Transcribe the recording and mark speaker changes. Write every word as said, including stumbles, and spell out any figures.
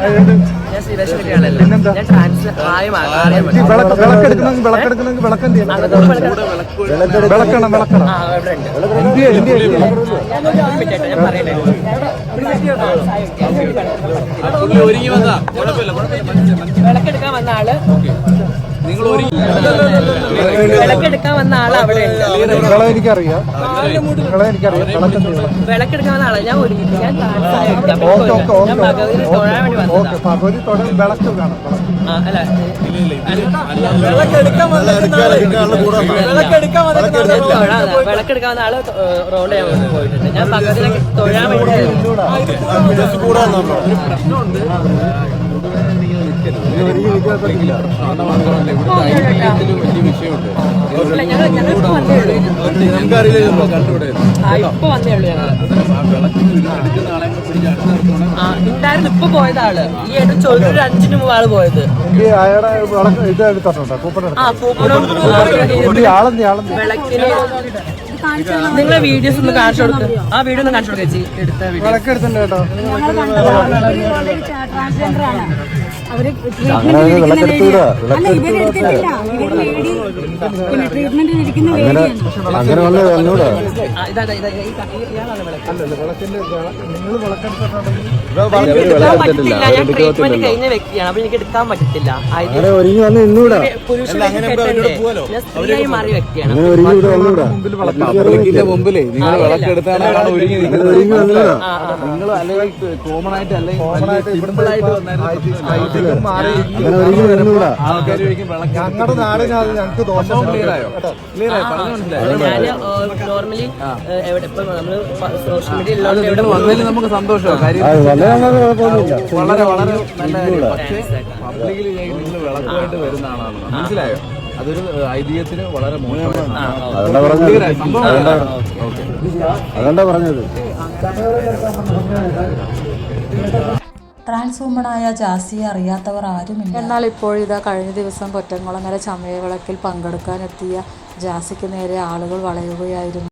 Speaker 1: ഞാൻ ശ്രീവേഷം കിട്ടിയാണല്ലോ. ഞാൻ ട്രാൻസ് ആയി
Speaker 2: വിളക്കെടുക്കണമെങ്കിൽ വിളക്കെടുക്കണമെങ്കിൽ വിളക്കെന്ത് ചെയ്യണം? വിളക്കണം വിളക്കണം
Speaker 1: ഞാൻ പറയട്ടെ. വിളക്കെടുക്കാൻ വന്ന ആള് വിളക്കെടുക്കാൻ വന്ന ആള് അവിടെ
Speaker 2: നിങ്ങളെ എനിക്കറിയാം നിങ്ങളെ എനിക്കറിയാം
Speaker 1: വിളക്കെടുക്കാൻ വന്ന ആള് ഞാൻ ഒരുങ്ങി ഞാൻ ഭഗവതിനെ തൊഴാൻ വേണ്ടി വന്നതാ.
Speaker 2: ഭഗവതി തൊഴാൻ വിളക്ക് വേണം.
Speaker 1: അല്ല വിളക്കെടുക്കാൻ വന്ന ആള് റോഡ് ചെയ്യാൻ പോയിട്ടുണ്ട്. ഞാൻ ഭഗവതിനെ തൊഴാൻ വേണ്ടി ഇപ്പൊ വന്നേ ഉള്ളൂ ഞങ്ങള്. ഉണ്ടായിരുന്നു ഇപ്പൊ പോയത് ആള്. ഈ ഏറ്റവും ചോദിച്ചു ഒരു അഞ്ചിന് മുമ്പ് ആള് പോയത്. ആ പൂപ്പണം വിളക്കിന് നിങ്ങളെ വീഡിയോസ് ഒന്ന് കാണിച്ചു കൊടുക്കും. ആ വീഡിയോ ഒന്ന് കാണിച്ചു കൊടുക്കുക ചേച്ചി. എടുത്ത വീഡിയോ
Speaker 2: കേട്ടോ.
Speaker 3: അവര് ട്രീറ്റ്മെന്റ് ഇരിക്കുന്ന
Speaker 1: ഞാൻ ട്രീറ്റ്മെന്റ് കഴിഞ്ഞ വ്യക്തിയാണ്. അപ്പൊ എനിക്ക് എടുക്കാൻ പറ്റത്തില്ല. സ്ത്രീയായി മാറിയ വ്യക്തിയാണ്.
Speaker 4: മുമ്പിലേ നിങ്ങൾ വിളക്കെടുത്താണ് ഒരുങ്ങി നിങ്ങൾ അല്ലെങ്കിൽ കോമൺ ആയിട്ട് അല്ലെങ്കിൽ
Speaker 2: ഞങ്ങളുടെ നാടിന് അത് ഞങ്ങൾക്ക് ദോഷം.
Speaker 1: ഞാന് നോർമലി എവിടെ ഇപ്പൊ നമ്മള് സോഷ്യൽ മീഡിയ എവിടെ
Speaker 4: വന്നതിൽ നമുക്ക് സന്തോഷമാണ്. കാര്യം വളരെ വളരെ നല്ല പബ്ലിക്കിൽ നിങ്ങൾ വിളക്കുമായിട്ട് വരുന്ന ആളാണ്. മനസ്സിലായോ? അതൊരു ഐതിഹ്യത്തിന് വളരെ മോശമാണ്.
Speaker 2: അതുകൊണ്ടാ പറഞ്ഞത്.
Speaker 5: ട്രാൻസ് വുമണായ ജാസിയെ അറിയാത്തവർ ആരുമില്ല. എന്നാൽ ഇപ്പോഴിതാ കഴിഞ്ഞ ദിവസം കൊറ്റംകുളങ്ങര ചമയവിളക്കിൽ പങ്കെടുക്കാനെത്തിയ ജാസിക്ക് നേരെ ആളുകൾ വളയുകയായിരുന്നു.